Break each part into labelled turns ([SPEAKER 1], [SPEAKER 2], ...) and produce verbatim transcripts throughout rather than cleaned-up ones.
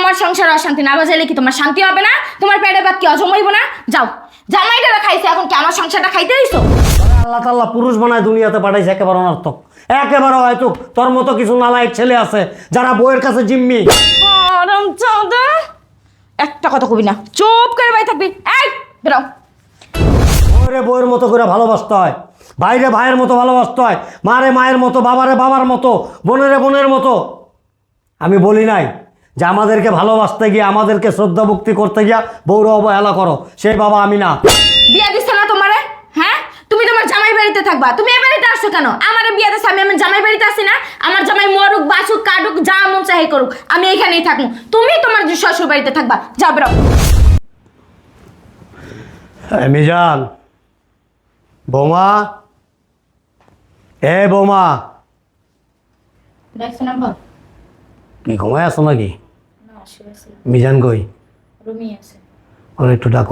[SPEAKER 1] তোমার সংসার অশান্তি না বাজাইলে কি তোমার শান্তি হবে না? তোমার পেটে ভাত কি হজম হইব না? যাও, জামাইটা খাইছে, এখন কি আমার সংসারটা খাইতে দিছো?
[SPEAKER 2] আল্লাহ তাআলা পুরুষ বানায় দুনিয়াতে পাঠাইছে, একেবারে অনর্থক। একেবারে হয়তো তোর মতো কিছু নালায়েক ছেলে আছে যারা বউয়ের কাছে জিম্মি।
[SPEAKER 1] আরাম চাঁদা, একটা কথা কবি না, চুপ করে বাই থাকবি। এই বেরো।
[SPEAKER 2] বউরে বউয়ের মতো করে ভালোবাসতে হয়, ভাইরে ভাইয়ের মতো ভালোবাসতে হয়, মারে মায়ের মতো, বাবারে বাবার মতো, বোনেরে বোনের মতো। আমি বলি নাই যে আমাদেরকে ভালোবাসতে গিয়ে, আমাদেরকে শ্রদ্ধা ভক্তি করতে গিয়া বউরে অবহেলা করো, সেই বাবা আমি না।
[SPEAKER 1] বিয়া দিছ না তোমারে? হ্যাঁ, তুমি তোমার জামাই বাড়িতে থাকবা। তুমি এই বাড়িতে আসছো কেন? আমারে বিয়া দিছ, আমি আমার জামাই বাড়িতে আসি না? আমার জামাই মরুক বাসুক কাটুক যা মন চাই করুক, আমি এখানেই থাকবো। তুমি তোমার শ্বশুর বাড়িতে থাকবা। যাও বেরো।
[SPEAKER 2] মিজান, বৌমা, এ বৌমা,
[SPEAKER 1] দেখছো না বল?
[SPEAKER 2] কি ঘুমায় আছো নাকি?
[SPEAKER 1] না, শুয়ে আছি।
[SPEAKER 2] মিজান কই?
[SPEAKER 1] রুমই আছে।
[SPEAKER 2] ওর একটু ডাকো।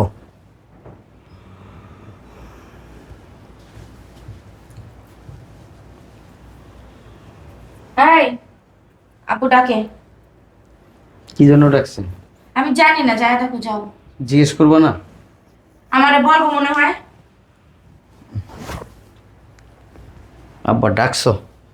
[SPEAKER 1] এই আপু ডাকে।
[SPEAKER 3] কি জন্য ডাকছেন?
[SPEAKER 1] আমি জানি না, যায় থাকো, যাও।
[SPEAKER 3] জিজ্ঞেস করবো না?
[SPEAKER 1] আমারে বলবো মনে হয়।
[SPEAKER 3] আব্বা ডাকছো?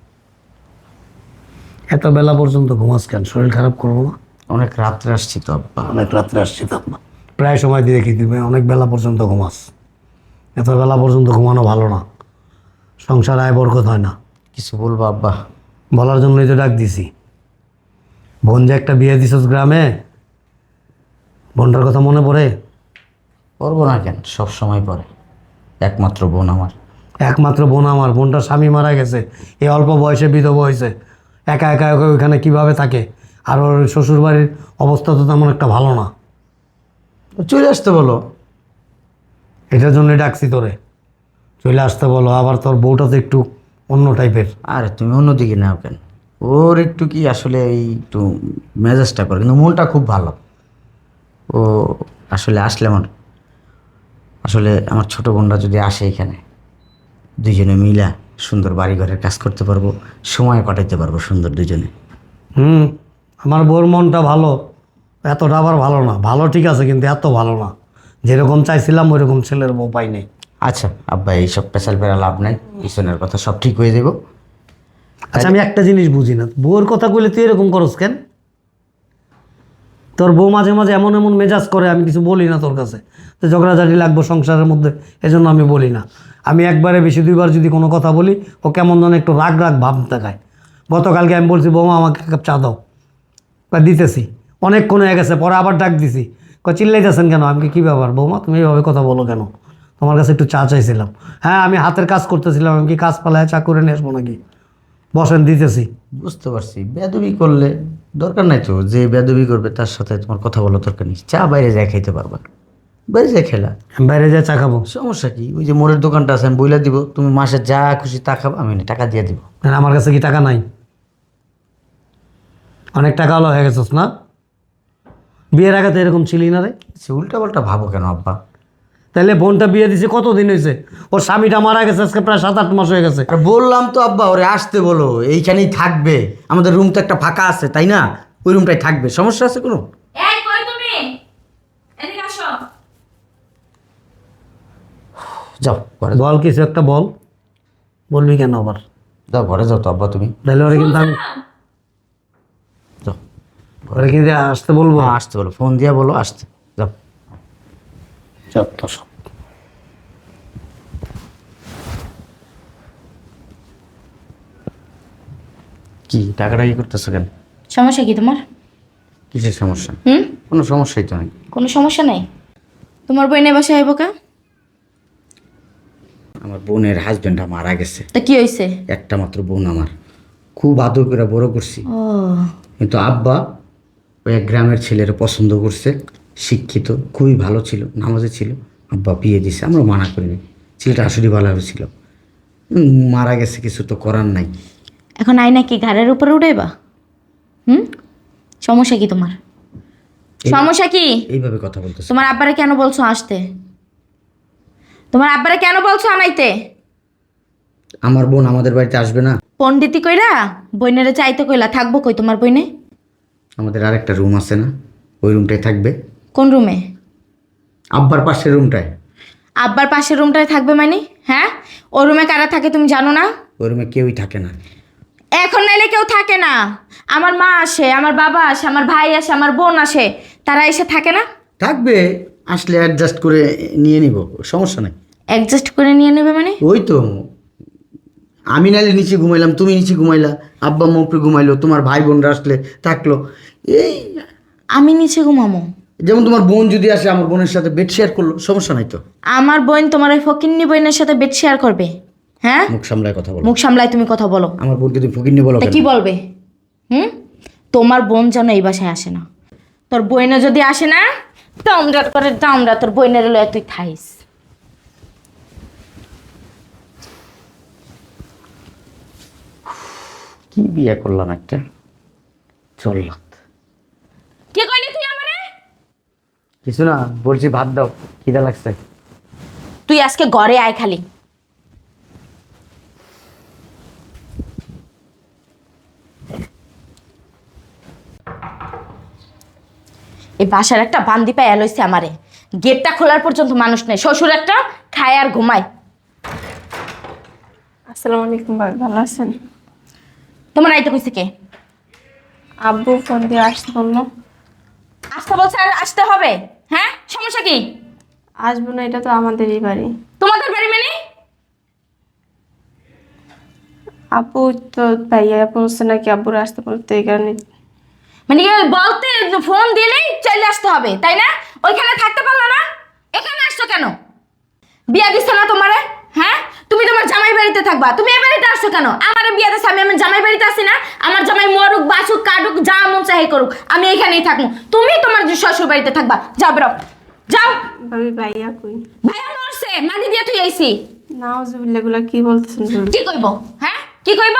[SPEAKER 2] এত বেলা পর্যন্ত ঘুমাস কেন? শরীর খারাপ করবো না?
[SPEAKER 3] অনেক রাত্রে আসছি তো আব্বা।
[SPEAKER 2] অনেক রাত্রে আসছি তো আপনার, প্রায় সময় দিয়ে দেখি তুমি অনেক বেলা পর্যন্ত ঘুমাস। এত বেলা পর্যন্ত ঘুমানো ভালো না, সংসার আয় বরকত হয় না।
[SPEAKER 3] কিছু বলবো আব্বা?
[SPEAKER 2] বলার জন্যই তো ডাক দিছি। বোন যে একটা বিয়ে দিছস গ্রামে, বোনটার কথা মনে পড়ে?
[SPEAKER 3] করবো না কেন, সব সময় পরে। একমাত্র বোন আমার।
[SPEAKER 2] একমাত্র বোন আমার, বোনটার স্বামী মারা গেছে, এই অল্প বয়সে বিধবা হয়েছে, একা একা একা ওইখানে কীভাবে থাকে? আর ওর শ্বশুরবাড়ির অবস্থা তো তেমন একটা ভালো না।
[SPEAKER 3] চলে আসতে বলো।
[SPEAKER 2] এটার জন্যই ডাকছি তোরে, চলে আসতে বলো। আবার তোর বউটা তো একটু অন্য টাইপের।
[SPEAKER 3] আরে তুমি অন্যদিকে নাও কেন? ওর একটু কি আসলে এই একটু মেজাজটা করে, কিন্তু মনটা খুব ভালো। ও আসলে আসলে আমার আসলে আমার ছোট বোনরা যদি আসে এখানে, দুইজনে মিলা সুন্দর বাড়ি ঘরের কাজ করতে পারবো, সময় কাটাইতে পারবো সুন্দর দুজনে।
[SPEAKER 2] হুম, আমার বউর মনটা ভালো, এতটা আবার ভালো না। ভালো ঠিক আছে, কিন্তু এত ভালো না। যেরকম চাইছিলাম ওইরকম ছেলের বউ পাই নাই।
[SPEAKER 3] আচ্ছা আব্বা, এইসব পেশাল পেরা লাভ নাই, পিছনের কথা সব ঠিক হয়ে যাব।
[SPEAKER 2] আচ্ছা, আমি একটা জিনিস বুঝি না, বউর কথা কইলে তুই এরকম করস কেন? তোর বউ মাঝে মাঝে এমন এমন মেজাজ করে, আমি কিছু বলি না তোর কাছে, তো ঝগড়াঝাটি লাগবো সংসারের মধ্যে, এজন্য আমি বলি না। আমি একবারে বেশি দুইবার যদি কোনো কথা বলি, ও কেমন যেন একটু রাগ রাগ ভাব দেখায়। গতকালকে আমি বলছি, বৌমা আমাকে এক কাপ চা দাও, বা দিতেছি, অনেকক্ষণ হয়ে গেছে, পরে আবার ডাক দিছি, ক চিল্লাইতেছেন কেন? আমি কী ব্যাপার বৌমা, তুমি এইভাবে কথা বলো কেন? তোমার কাছে একটু চা চাইছিলাম। হ্যাঁ, আমি হাতের কাজ করতেছিলাম, আমি কি কাজ পালায় চা করে নিয়ে আসবো নাকি? বসেন, দিতেছি।
[SPEAKER 3] বুঝতে পারছি, বেয়াদবি করলে দরকার নাই তো, যে বেয়াদবি করবে তার সাথে তোমার কথা বলা দরকার নেই। চা বাইরে যায় খাইতে পারবা, বাইরে যায় খেলা,
[SPEAKER 2] আমি বাইরে যাই চা খাবো।
[SPEAKER 3] সমস্যা কি? ওই যে মোড়ের দোকানটা আছে, আমি বইলা দিব, তুমি মাসে যা খুশি তা খাবা, আমি টাকা দিয়ে দিব।
[SPEAKER 2] আর আমার কাছে কি টাকা নাই? অনেক টাকা হলো হয়ে গেছিস না? বিয়ের আগে তো এরকম ছিলি না রে।
[SPEAKER 3] উল্টা পাল্টা ভাবো কেন আব্বা?
[SPEAKER 2] তাহলে বোনটা বিয়ে দিছে কতদিন হয়েছে? ওর স্বামীটা মারা গেছে আজকে প্রায় সাত আট মাস হয়ে গেছে।
[SPEAKER 3] আর বললাম তো আব্বা, ওরে আসতে বলো, এইখানেই থাকবে। আমাদের রুম তো একটা ফাঁকা আছে, তাই না? ওই রুমটাই থাকবে, সমস্যা আছে কোনো?
[SPEAKER 1] এই কই তুমি? এদিকে আসো।
[SPEAKER 3] যাও ঘরে যাও।
[SPEAKER 2] বল, কিছু একটা বল। বলবি কেন আবার?
[SPEAKER 3] যাও ঘরে যাও তো আব্বা তুমি।
[SPEAKER 2] তাহলে ওরা কিন্তু আমি
[SPEAKER 3] যাও
[SPEAKER 2] ওরা কিন্তু আসতে বলবো।
[SPEAKER 3] হ্যাঁ, আসতে বলো, ফোন দিয়া বলো আসতে। যাও।
[SPEAKER 2] চল তো সব।
[SPEAKER 3] কি টাকাটা কি করতেছো কেন?
[SPEAKER 1] সমস্যা কি তোমার?
[SPEAKER 3] কিসের সমস্যা?
[SPEAKER 1] হুম,
[SPEAKER 3] কোনো সমস্যাই তো নেই।
[SPEAKER 1] কোনো সমস্যা নাই। তোমার বই নেই বাসায় আইব কা?
[SPEAKER 3] আমার বোনের হাজবেন্ডটা মারা গেছে।
[SPEAKER 1] তা কি হইছে?
[SPEAKER 3] একটা মাত্র বোন আমার, খুব আদর করে বড় করছি।
[SPEAKER 1] ও,
[SPEAKER 3] কিন্তু আব্বা ওই এক গ্রামের ছেলের পছন্দ করছে, শিক্ষিত, খুবই ভালো ছিল, নামাজে ছিল। আব্বা বিয়ে দিছে, আমরা মানা করিনি। ছেলেটা আসলে ভালো ছিল। উম, মারা গেছে, কিছু তো করার নাই।
[SPEAKER 1] এখন আই নাকি ঘাড়ের উপরে উঠাইবা? হুম, সমস্যা কি তোমার?
[SPEAKER 3] এই-
[SPEAKER 1] সমস্যা কি?
[SPEAKER 3] এইভাবে কথা বলতেছে।
[SPEAKER 1] তোমার আব্বারে কেন বলছো আসতে? তোমার আব্বারে কেন বলছো আনাইতে?
[SPEAKER 3] আমার বোন আমাদের বাড়িতে আসবে না?
[SPEAKER 1] পণ্ডিতি কইরা বইনেরে চাইতে কইলা, থাকবো কই তোমার বইনে?
[SPEAKER 3] আমাদের আরেকটা রুম আছে না, ওই রুমটায় থাকবে।
[SPEAKER 1] কোন রুমে?
[SPEAKER 3] আব্বার পাশের রুমটায়।
[SPEAKER 1] আব্বার পাশের রুমটায় থাকবে মানে? হ্যাঁ, ও রুমে কারা থাকে তুমি জানো না?
[SPEAKER 3] ওই রুমে কেউই থাকে না।
[SPEAKER 1] এখন নাইলে কেউ থাকে না। আমার মা আসে, আমার বাবা আসে, আমার ভাই আসে, আমার বোন আসে, তারা এসে থাকে না?
[SPEAKER 3] থাকবে, আসলে অ্যাডজাস্ট করে নিয়ে নিব, সমস্যা নাই।
[SPEAKER 1] অ্যাডজাস্ট করে নিয়ে নেবে মানে?
[SPEAKER 3] ওই তো, আমি নাইলে নিচে ঘুমাইলাম, তুমি নিচে ঘুমাইলা, আব্বা আম্মা উপরে ঘুমাইলো, তোমার ভাই বোনরা আসলে থাকলো। এই
[SPEAKER 1] আমি নিচে ঘুমামো?
[SPEAKER 3] যেমন তোমার বোন যদি আসে আমার বোনের সাথে বেড শেয়ার করলো, সমস্যা নাই তো।
[SPEAKER 1] আমার বোন তোমার ওই ফকিন্নি বোনের সাথে বেড শেয়ার করবে? হ্যাঁ,
[SPEAKER 3] মুখ সামলায় কথা বলো।
[SPEAKER 1] মুখ সামলাই তুমি কথা বলো।
[SPEAKER 3] আমার বোনকে তুমি ফকিন্নি বলো
[SPEAKER 1] তা
[SPEAKER 3] কেন?
[SPEAKER 1] কি বলবে? হুম, তোমার বোন যেন এই বাসায় আসে না। তোর বইনে যদি আসে না, দামরাট করে দামরা তোর বইনের লয়ে তুই থাইস।
[SPEAKER 3] কি বিয়ে করলাম একটা, চললাম।
[SPEAKER 1] কি কইলি তুই আমারে?
[SPEAKER 3] কিছু না, বলছি ভাত দাও, খিদা লাগছে।
[SPEAKER 1] তুই আজকে ঘরে আয় খালি। এই বাসার একটা বান্দি পায় লইছে আমারে। গেটটা খোলার পর্যন্ত মানুষ নেই, শ্বশুর একটা খায় আর ঘুমায়।
[SPEAKER 4] আসসালামু আলাইকুম ভাই, ভালো আছেন?
[SPEAKER 1] তোমার আইতে কইছে কে?
[SPEAKER 4] আব্বু ফোন দিয়ে আসতে বললো।
[SPEAKER 1] আসতে বলছে আর আসতে হবে? হ্যাঁ, সমস্যা কি?
[SPEAKER 4] আসবো না, এটা তো আমাদেরই বাড়ি।
[SPEAKER 1] তোমাদের বাড়ি মানে?
[SPEAKER 4] আপু তো ভাইয়া বলছে নাকি আব্বুর আসতে বলতে, এই কারণে।
[SPEAKER 1] মানে কি বলতে ফোন দিলেই চলে আসতে হবে তাই না? ওইখানে থাকতে পারলো না, এখানে আসছো কেন? বিয়া দিচ্ছে না তোমারে? হ্যাঁ, তুমি তোমার জামাই বাড়িতে থাকবা, তুমি এ বাড়িতে আসছো কেন? আমার বিয়া দিচ্ছে, আমি আমার জামাই বাড়িতে আসি না? আমার জামাই মরুক বাসুক কাটুক যা মন চাই করুক, আমি এখানেই থাকবো। তুমি তোমার শ্বশুর বাড়িতে থাকবা। যাও বেরো, যাও।
[SPEAKER 4] ভাবি ভাইয়া কই?
[SPEAKER 1] ভাইয়া মরছে, মাটি দিয়ে তুই আইছি।
[SPEAKER 4] নাউজুবিল্লাহ, এগুলা কি বলতেছেন ভাবি?
[SPEAKER 1] কি কইব? হ্যাঁ, কি কইব?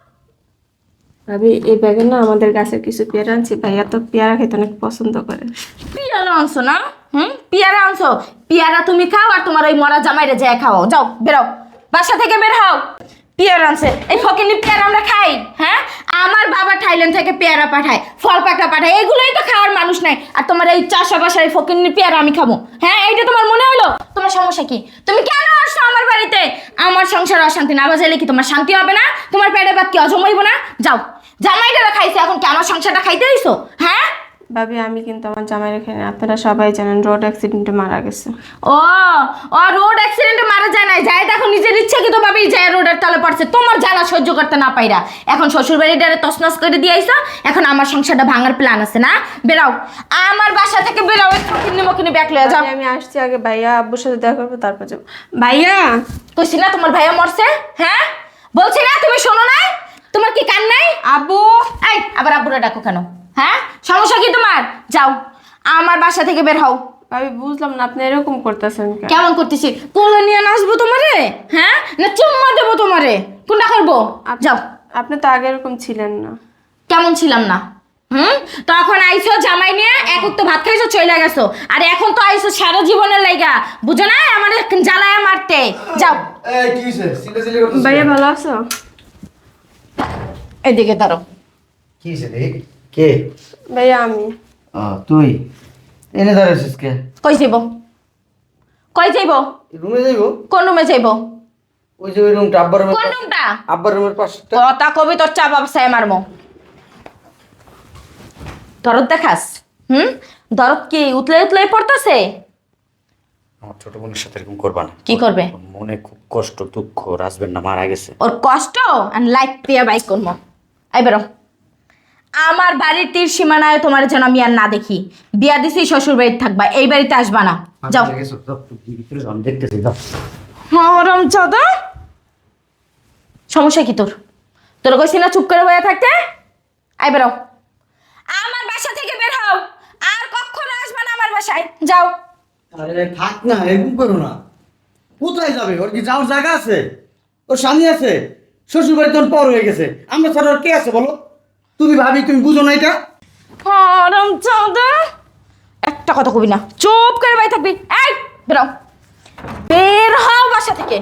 [SPEAKER 4] ভাবি এই ব্যাগে না আমাদের গাছের কিছু পেয়ারা আনছি, ভাইয়া তো পেয়ারা খেতে অনেক পছন্দ করে।
[SPEAKER 1] পিয়ারা আনছো না? হুম, পিয়ারা আনছো। পিয়ারা তুমি খাও আর তোমার ওই মরা জামাইরে যায় খাও। যাও বেরো, বাসা থেকে বের হও। পেয়ারা আনছে, এই ফকিনি পেয়ারা আমরা খাই? হ্যাঁ, আমার বাবা থাইল্যান্ড থেকে পেয়ারা পাঠায়, ফল পাকড়া পাঠায়, এগুলোই তো খাওয়ার মানুষ নাই। আর তোমার এই চাষা বাসার এই ফকিনি পেয়ারা আমি খাবো? হ্যাঁ, এইটা তোমার মনে হলো? তোমার সমস্যা কি? তুমি কেন আসছো আমার বাড়িতে? আমার সংসার অশান্তি না বাজাইলে কি তোমার শান্তি হবে না? তোমার পেটে ভাত কি অজম হইব না? যাও, জামাইটা খাইছে, এখন কি আমার সংসারটা খাইতে হইছো? হ্যাঁ,
[SPEAKER 4] ভাবি আমি কিন্তু আমার জামাই রেখে নেই, আপনারা সবাই জানেন রোড অ্যাক্সিডেন্টে মারা গেছে।
[SPEAKER 1] ও ও রোড অ্যাক্সিডেন্টে মারা যায় নাই, যায় দেখো নিজের ইচ্ছে কিন্তু ভাবেই যায় রোডের তলে পড়ছে, তোমার জ্বালা সহ্য করতে না পাইরা এখন শ্বশুর বাড়িটারে তছনছ করে দিয়ে আইসা। এখন আমার সংসারটা ভাঙার প্ল্যান আছে না? বেরাও আমার বাসা থেকে, বেরাও। কিনে মকিনে ব্যাগ লয়ে যাও।
[SPEAKER 4] ভাবি, আমি আসছি, আগে ভাইয়া আব্বুর সাথে দেখা করবো, তারপর যাবো। ভাইয়া
[SPEAKER 1] কইছি না তোমার ভাইয়া মরছে? হ্যাঁ, বলছি না, তুমি শোনো না? তোমার কি কান নাই?
[SPEAKER 4] আব্বু,
[SPEAKER 1] এই আবার আব্বুরা ডাকো কেন? হ্যাঁ, সমস্যা কি তোমার? যাও আমার বাসা থেকে বের হও।
[SPEAKER 4] ভাবি বুঝলাম না আপনি এরকম করতেছেন কেন?
[SPEAKER 1] কেমন করতেছি? কোলে নিয়ে নাচবো তোমারে? হ্যাঁ, না চুম্মা দেবো তোমারে? কোনটা করবো?
[SPEAKER 4] আপ-
[SPEAKER 1] যাও।
[SPEAKER 4] আপনি তো আগে এরকম ছিলেন না।
[SPEAKER 1] কেমন ছিলাম না? হুম, তখন আইসো জামাই নিয়ে এক তো ভাত খাইছো চলে গেছো, আর এখন তো আইসো সারা জীবনের লাইগা, বুঝো না আমার জ্বালায় মারতে। যাও।
[SPEAKER 5] এই কি হইছে? সিলে সিলে করতেছিস
[SPEAKER 4] ভাইয়া
[SPEAKER 5] কেন?
[SPEAKER 4] ভালো আছো?
[SPEAKER 1] এদিকে দাঁড়ো।
[SPEAKER 3] কি হয়েছে রে? কে?
[SPEAKER 4] ভাইয়া আমি।
[SPEAKER 3] ও তুই এনে দাঁড়াইছিস কে?
[SPEAKER 1] কই যাইব? কই যাইব?
[SPEAKER 3] রুমে যাইবো?
[SPEAKER 1] কোন রুমে যাইব?
[SPEAKER 3] ওই যে ওই রুমটা, আব্বার রুমের
[SPEAKER 1] কোন
[SPEAKER 3] পাশে-
[SPEAKER 1] রুমটা?
[SPEAKER 3] আব্বার রুমের পাশেটা।
[SPEAKER 1] কথা কবি তোর চা বাবসায় মারমো। দরদ দেখাস? হুম, দরদ কি উতলে উতলে পড়তেছে?
[SPEAKER 3] আমার ছোট বোনের সাথে এরকম করবা না।
[SPEAKER 1] কি করবে?
[SPEAKER 3] ওর মনে খুব কষ্ট দুঃখ, রাজবেন না মারা গেছে।
[SPEAKER 1] ওর কষ্ট আর লাইট দিয়ে বাইক করবো। এই বেরো, আমার বাড়ির তীর সীমানায় তোমার যেন আমি আর না দেখি। বিয়া দিছি শ্বশুর বাড়িতে থাকবা, এই বাড়িতে আসবা না। যাও।
[SPEAKER 3] আমি দেখতেছি, যাও।
[SPEAKER 1] হরম চাদা, সমস্যা কি তোর? তোর কইছি না চুপ করে বয়ে থাকতে? আই বেরো, আমার বাসা থেকে বের হও, আর কখনো আসবা না আমার বাসায়। যাও।
[SPEAKER 5] আরে থাক না, এরকম করো না। কোথায় যাবে? ওর কি যাওয়ার জায়গা আছে? ওর স্বামী আছে, শ্বশুর বাড়ি তখন পর হয়ে গেছে, আমরা ছাড়া ওর কে আছে বলো? তুমি ভাবি, তুমি বুঝো না এটা?
[SPEAKER 1] হরম চাদা, একটা কথা কবি না, চুপ করে বয়ে থাকবি। এই বেরো, বের হও বাসা থেকে।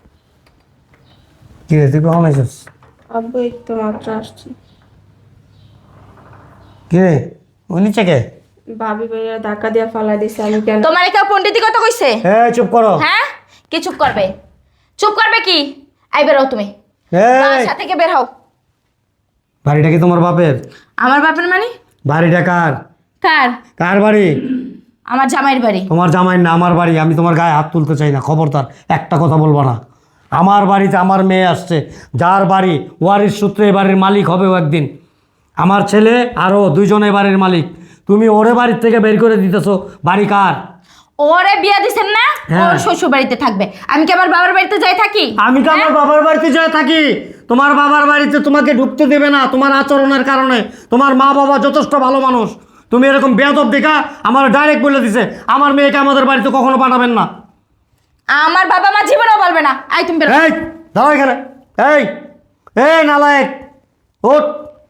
[SPEAKER 2] কি রে, তুই কখন আইসিস?
[SPEAKER 4] আব্বু এই তো মাত্র আসছি।
[SPEAKER 2] কি রে, ওই নিচে কে?
[SPEAKER 4] ভাবি ভাইয়া ধাক্কা দিয়ে ফালাই দিছে আমি কেন
[SPEAKER 1] তোমার কেউ পণ্ডিতি কথা কইছে?
[SPEAKER 2] এই চুপ করো।
[SPEAKER 1] হ্যাঁ, কি চুপ করবে? চুপ করবে কি? আই বের হও তুমি,
[SPEAKER 2] এই
[SPEAKER 1] বাসা থেকে বের হও।
[SPEAKER 2] বাড়িটা কি তোমার বাপের?
[SPEAKER 1] আমার বাপের মানে?
[SPEAKER 2] বাড়িটা কার?
[SPEAKER 1] কার?
[SPEAKER 2] কার বাড়ি?
[SPEAKER 1] আমার জামাইয়ের বাড়ি।
[SPEAKER 2] তোমার জামাই না, আমার বাড়ি। আমি তোমার গায়ে হাত তুলতে চাই না, খবরদার একটা কথা বলবো না। আমার বাড়িতে আমার মেয়ে আসছে, যার বাড়ি ওয়ারিশ সূত্রে এই বাড়ির মালিক হবে ও একদিন। আমার ছেলে আরও দুইজনে বাড়ির মালিক। তুমি ওরে বাড়ির থেকে বের করে দিতেছো। বাড়ি কার?
[SPEAKER 1] ওরে বিয়া দিছেন না,
[SPEAKER 2] হ্যাঁ।
[SPEAKER 1] ওর শ্বশুর বাড়িতে থাকবে। আমি কি আমার বাবার বাড়িতে যাই থাকি?
[SPEAKER 2] আমি তো আমার বাবার বাড়িতে যাই থাকি। তোমার বাবার বাড়িতে তোমাকে ঢুকতে দেবে না তোমার আচরণের কারণে। তোমার মা বাবা যথেষ্ট ভালো মানুষ, তুমি এরকম বেয়াদব দেখা আমার ডাইরেক্ট বলে দিছে আমার মেয়েকে আমাদের বাড়িতে কখনো পাঠাবেন না।
[SPEAKER 1] আমার বাবা মা জীবনেও বলবে না। আই তুমি বের হও।
[SPEAKER 2] এই দাঁড়া এখানে। এই এই নালায়েক, ওঠ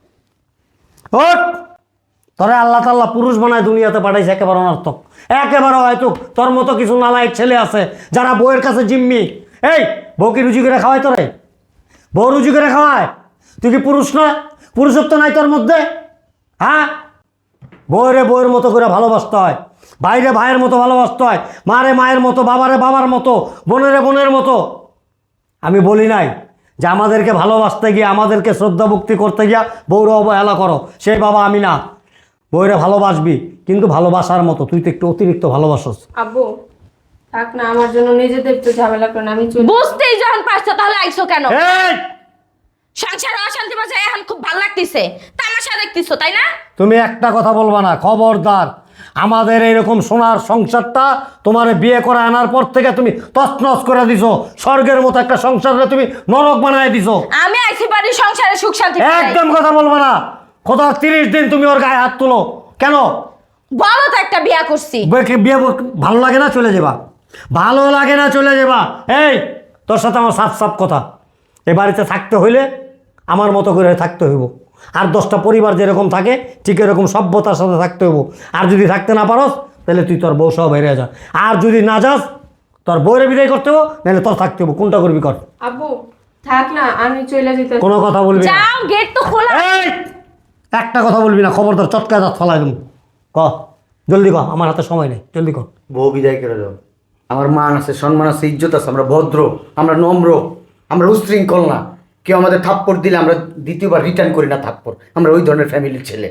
[SPEAKER 2] ওঠ। তোরে আল্লাহ তাল্লাহ পুরুষ বানায় দুনিয়াতে পাঠাইছে একেবারে অনর্থক। একেবারে হয়তো তোর মতো কিছু নালায়েক ছেলে আছে যারা বউয়ের কাছে জিম্মি। এই বউ কি রুজি করে খাওয়ায় তোরে? বউ রুজি করে খাওয়ায়? তুই কি পুরুষ না? পুরুষত্ব নাই তোর মধ্যে? হ্যাঁ, বউরে বউয়ের মতো করে ভালোবাসতে হয়, ভাইরে ভাইয়ের মতো ভালোবাসতে হয়, মারে মায়ের মতো, বাবারে বাবার মতো, বোনেরে বোনের মতো। আমি বলি নাই যে আমাদেরকে ভালোবাসতে গিয়ে, আমাদেরকে শ্রদ্ধা ভক্তি করতে গিয়া বউরে অবহেলা করো। সেই বাবা আমি না। বউরে ভালোবাসবি, কিন্তু ভালোবাসার মতো। তুই তো একটু অতিরিক্ত ভালোবাসস।
[SPEAKER 4] আব্বু থাক না, আমার জন্য নিজেদের একটু ঝামেলা করেন, আমি চলে
[SPEAKER 1] বুঝতেই যখন পারছো তাহলে আইছো কেন?
[SPEAKER 2] এই
[SPEAKER 1] সংসারে অশান্তি বাজে এখন খুব ভালো লাগতেছে, তামাশা দেখতেছো তাই না?
[SPEAKER 2] তুমি একটা কথা বলবা না, খবরদার। আমাদের এরকম সোনার সংসারটা তোমার বিয়ে করে আনার পর থেকে তুমি তছনছ করে দিছো। স্বর্গের মতো একটা সংসারে তুমি নরক বানায় দিছো।
[SPEAKER 1] আমি আইছি বাড়ির সংসারে সুখ শান্তি চাই।
[SPEAKER 2] একদম কথা বলবা না। খোদার তিরিশ দিন তুমি ওর গায়ে হাত তুলো কেন?
[SPEAKER 1] বলো তো একটা বিয়া করছি।
[SPEAKER 2] বিয়ে বিয়ে ভালো লাগে না চলে যাবা, ভালো লাগে না চলে যাবা। এই তোর সাথে আমার সাফ সাফ কথা, এ বাড়িতে থাকতে হইলে আমার মতো করে থাকতে হইব। আর দশটা পরিবার যেরকম থাকে ঠিক এরকম সভ্যতার সাথে থাকতে হইব। আর যদি থাকতে না পারস তাহলে তুই তোর বউ সহ বেরিয়ে যা। আর যদি না যাস তোর বউরে বিদায় করতে হবো, নাহলে তোর থাকতে হবো। কোনটা করবি কর।
[SPEAKER 4] আব্বু থাক না, আমি চলে যেতে
[SPEAKER 2] কোনো কথা বলবি না।
[SPEAKER 1] যাও, গেট তো খোলা।
[SPEAKER 2] এই একটা কথা বলবি না, খবরদার চটকায় দাঁত ফেলাই দেবো। ক জলদি ক, আমার হাতে সময় নেই, জলদি ক।
[SPEAKER 5] বউ বিদায় করে দাও। আমার মান আছে, সম্মান আছে, ইজ্জত আছে। আমরা ভদ্র, আমরা নম্র, আমরা উশৃঙ্খল না। কেউ আমাদের থাপ্পড় দিলে আমরা দ্বিতীয়বার রিটার্ন করি না থাপ্পড়। আমরা ওই ধরনের ফ্যামিলির ছেলে।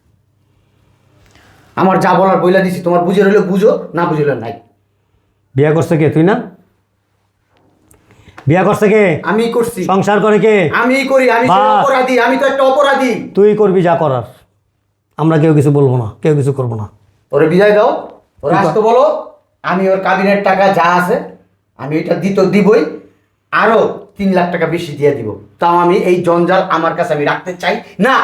[SPEAKER 5] আমার যা বলার বইলা দিছি, তোমার বুঝে রইলে বুঝো, না বুঝলে নাই।
[SPEAKER 2] বিয়ে করছে কে? তুই না? বিয়ে করছে কে?
[SPEAKER 5] আমি করছি,
[SPEAKER 2] সংসার করে কে?
[SPEAKER 5] আমি করি। আমি তো
[SPEAKER 2] বাস।
[SPEAKER 5] অপরাধী, আমি তো একটা অপরাধী।
[SPEAKER 2] তুই করবি যা করার, আমরা কেউ কিছু বলবো না, কেউ কিছু করবো না।
[SPEAKER 5] ওরে বিদায় দাও, ওরা আসতে বলো। আমি ওর কাবিনের টাকা যা আছে আমি এটা দিত দিবই, আরো তিন লাখ টাকা বেশি দিয়ে দিব। তাও আমি এই জঞ্জাল আমার কাছে আমি রাখতে চাই না।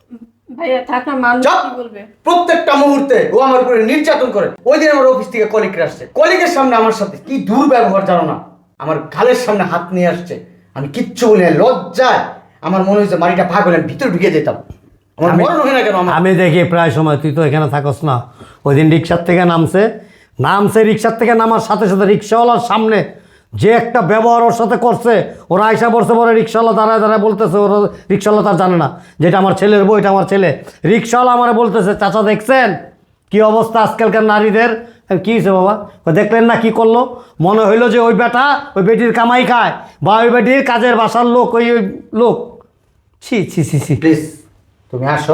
[SPEAKER 4] ভাইয়া থাক না, মানুষ
[SPEAKER 5] চুপ!
[SPEAKER 4] কি বলবে?
[SPEAKER 5] প্রত্যেকটা মুহূর্তে ও আমার উপরে নির্যাতন করে। ওই দিন আমার অফিস থেকে কলিগরা আসছে, কলিগের সামনে আমার সাথে কি দুর্ব্যবহার জানো না। আমার গালের সামনে হাত নিয়ে আসছে, আমি কিচ্ছু বলি না। লজ্জায় আমার মনে হয়েছে মাটিটা ভাগ হলে আমি ভিতরে ঢুকে যেতাম। আমার
[SPEAKER 2] আমি-
[SPEAKER 5] মরণ হয় না কেন আমার?
[SPEAKER 2] আমি দেখি প্রায় সময়, তুই তো এখানে থাকস না। ওই দিন রিক্সার থেকে নামছে, নামছে রিক্সার থেকে নামার সাথে সাথে রিক্সাওয়ালার সামনে যে একটা ব্যবহার ওর সাথে করছে, ওরা আয়সা পড়ছে পরে রিক্সাওয়ালা দাঁড়ায় দাঁড়ায় বলতেছে, ওরা রিক্সাওয়ালা তার জানে না যেটা আমার ছেলের বউ, এটা আমার ছেলে। রিক্সাওয়ালা আমার বলতেছে, চাচা দেখছেন কি অবস্থা আজকালকার নারীদের? আমি, কি হয়েছে বাবা? ও দেখলেন না কি করলো? মনে হইলো যে ওই বেটা ওই বেটির কামাই খায়, বা ওই বেটির কাজের বাসার লোক, ওই ওই লোক। ছি ছি ছি ছি।
[SPEAKER 5] প্লিজ তুমি আসো,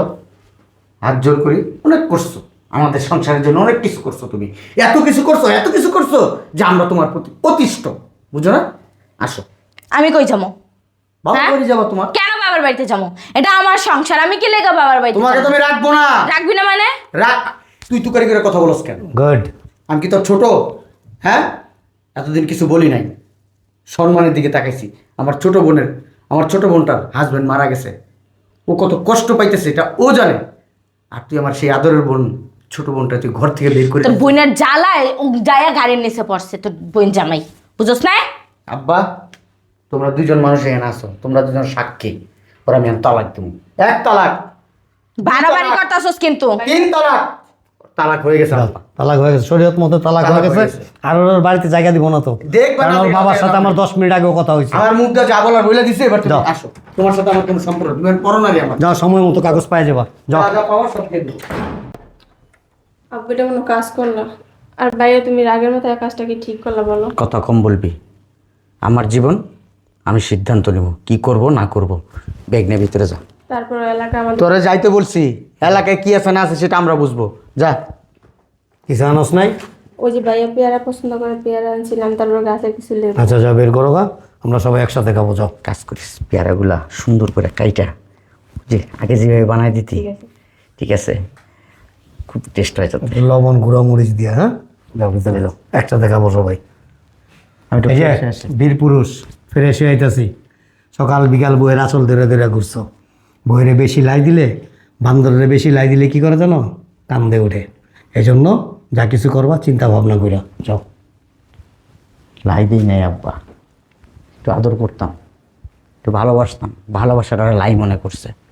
[SPEAKER 5] হাত জোর করি। অনেক করছো আমাদের সংসারের জন্য, অনেক কিছু করছো তুমি। এত কিছু করছো, এত কিছু করছো যে আমরা তোমার প্রতি অতিষ্ঠ, বুঝো না? আসো।
[SPEAKER 1] আমি কই যাবো?
[SPEAKER 5] বাবা
[SPEAKER 1] হ্যাঁ?
[SPEAKER 5] বাড়ি যাবো তোমার?
[SPEAKER 1] কেন বাবার বাড়িতে যাবো? এটা আমার সংসার, আমি কি লেগা বাবার বাড়িতে
[SPEAKER 5] তোমাকে
[SPEAKER 1] যাবো?
[SPEAKER 5] তুমি রাখবো না।
[SPEAKER 1] রাখবি না মানে?
[SPEAKER 5] রাখ। তুই তুকারি করে কথা বলস কেন?
[SPEAKER 2] গুড।
[SPEAKER 5] আমি কি তোর ছোট? হ্যাঁ, এতদিন কিছু বলি নাই, সম্মানের দিকে তাকাইছি। আমার ছোট বোনের, আমার ছোট বোনটার হাজবেন্ড মারা গেছে, ও কত কষ্ট পাইতেছে এটা ও জানে। আর তুই আমার সেই আদরের বোন, ছোট বোনটা তুই ঘর থেকে বের করে
[SPEAKER 1] তোর বোনের জ্বালায় ও যায়া গাড়ির নিচে পড়ছে তোর বোন জামাই, বুঝছ না?
[SPEAKER 5] আব্বা, তোমরা দুজন মানুষ এখানে আসো, তোমরা দুজন সাক্ষী। ওরা আমি তালাক দেবো, এক তালাক।
[SPEAKER 1] বাড়াবাড়ি করতেছস কিন্তু।
[SPEAKER 5] তিন তালাক। তালাক হয়ে গেছে আব্বা।
[SPEAKER 2] তালাক হয়ে গেছে, শরীয়ত মতো তালাক হয়ে
[SPEAKER 5] তালাক হয়ে
[SPEAKER 2] গেছে।
[SPEAKER 5] গেছে।
[SPEAKER 2] আর ওর বাড়িতে জায়গা দিব না তো,
[SPEAKER 5] দেখবা
[SPEAKER 2] কারণ
[SPEAKER 5] না
[SPEAKER 2] ওর
[SPEAKER 5] তুমি
[SPEAKER 2] বাবার
[SPEAKER 5] আমাকে
[SPEAKER 2] সাথে আমার
[SPEAKER 5] আমাকে।
[SPEAKER 2] দশ মিনিট আগেও কথা হয়েছে।
[SPEAKER 5] আমার মুখটা যা বলার বলে দিছে, এবার তুমি
[SPEAKER 2] যাও।
[SPEAKER 5] আসো। তোমার সাথে আমার কোনো সম্পর্ক নেই, তুমি পরো না রে আমার।
[SPEAKER 2] যাও, সময় মতো কাগজ পাই যাবা, যাও।
[SPEAKER 5] যা যা পাওয়ার সব দিয়ে দেবো।
[SPEAKER 4] আব্বু এটা কোনো কাজ করলা? আর ভাইয়া তুমি রাগের মতো এই কাজটা কি ঠিক করলা বলো?
[SPEAKER 3] কথা কম বলবি। আমার জীবন আমি সিদ্ধান্ত নেব কি করব না করব। ব্যাগ নিয়ে ভিতরে যা।
[SPEAKER 4] তারপর এলাকা আমাদের
[SPEAKER 5] তোরে যাইতে বলছি, এলাকায় কি আছে না আছে সেটা আমরা বুঝবো। যা।
[SPEAKER 2] কিছু আনস নাই?
[SPEAKER 4] ওই যে ভাইয়া পেয়ারা পছন্দ করে পেয়ারা আনছিলাম, তারপর গাছে কিছু লেবু।
[SPEAKER 2] আচ্ছা যা বের করো গা, আমরা সবাই একসাথে খাবো, যাও।
[SPEAKER 3] কাজ করিস, পেয়ারাগুলা সুন্দর করে কাইটা যে আগে যেভাবে বানাই দিতি,
[SPEAKER 4] ঠিক আছে।
[SPEAKER 3] ঠিক আছে? খুব টেস্ট হয় যাতে।
[SPEAKER 2] লবণ গুঁড়া মরিচ দিয়া, হ্যাঁ যাও ভিতরে যাও, একসাথে খাবো সবাই।
[SPEAKER 3] আমি একটু
[SPEAKER 2] এই যে
[SPEAKER 3] ফ্রেশ আসি।
[SPEAKER 2] বীর পুরুষ ফিরে এসে আইতাছি, সকাল বিকাল বইয়ের আঁচল ধরে ধরে ঘুরছো। বইয়েরে বেশি লাই দিলে, বান্দরের বেশি লাই দিলে কি করে জানো? কান্দে ওঠে। এই জন্য যা কিছু করবা চিন্তা ভাবনা কইরা যাও।
[SPEAKER 3] লাই দিই নাই আব্বা, একটু আদর করতাম, একটু ভালোবাসতাম, ভালোবাসাটা ওরা লাই মনে করছে।